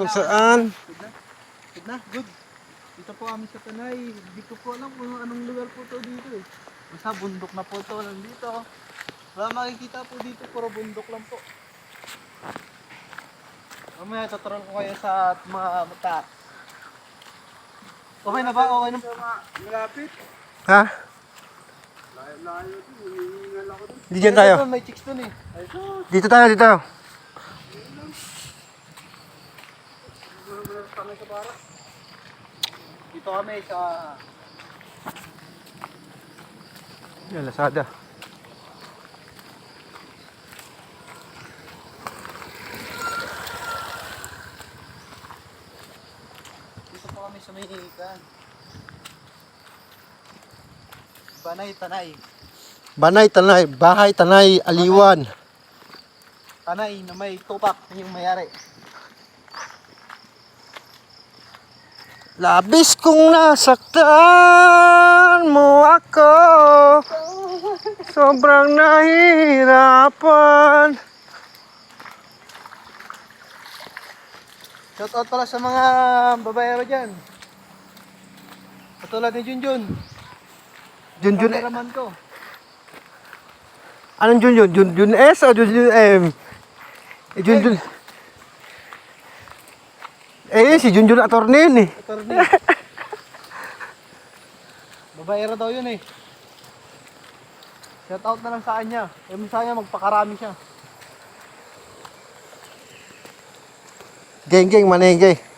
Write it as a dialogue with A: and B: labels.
A: Kung saan?
B: Good na? Good. Dito po kami sa Tanay. Hindi ko po alam kung anong lugar po to dito eh. Basta bundok na po to. Nandito. Wala makikita po dito. Puro bundok lang po. Mamaya tuturuan ko kayo sa mga mata. Okay na ba? Okay na. Malapit.
A: Ha?
B: Layo to. Hinihingal ako dun.
A: Di dyan tayo.
B: May chicks dun eh.
A: Dito tayo, dito.
B: Dito kami sa...
A: Yan, Lazada.
B: Dito po kami sa Mahihikan. Banay, Tanay.
A: Banay, Tanay. Bahay, Tanay, Aliwan.
B: Tanay na may tupak yung mayari.
A: Labis kong nasaktan mo ako. Sobrang nahihirapan.
B: Shout out pala sa mga babaero dyan. Katulad ni Junjun.
A: Junjun,
B: Kameraman ko.
A: anong Junjun? Junjun S o Junjun M? Junjun. Si Junjun attorney yun eh.
B: Attorney. Babaero daw yun eh. Shout out na lang sa kanya. Masaya magpakarami siya.
A: Geng, manengge.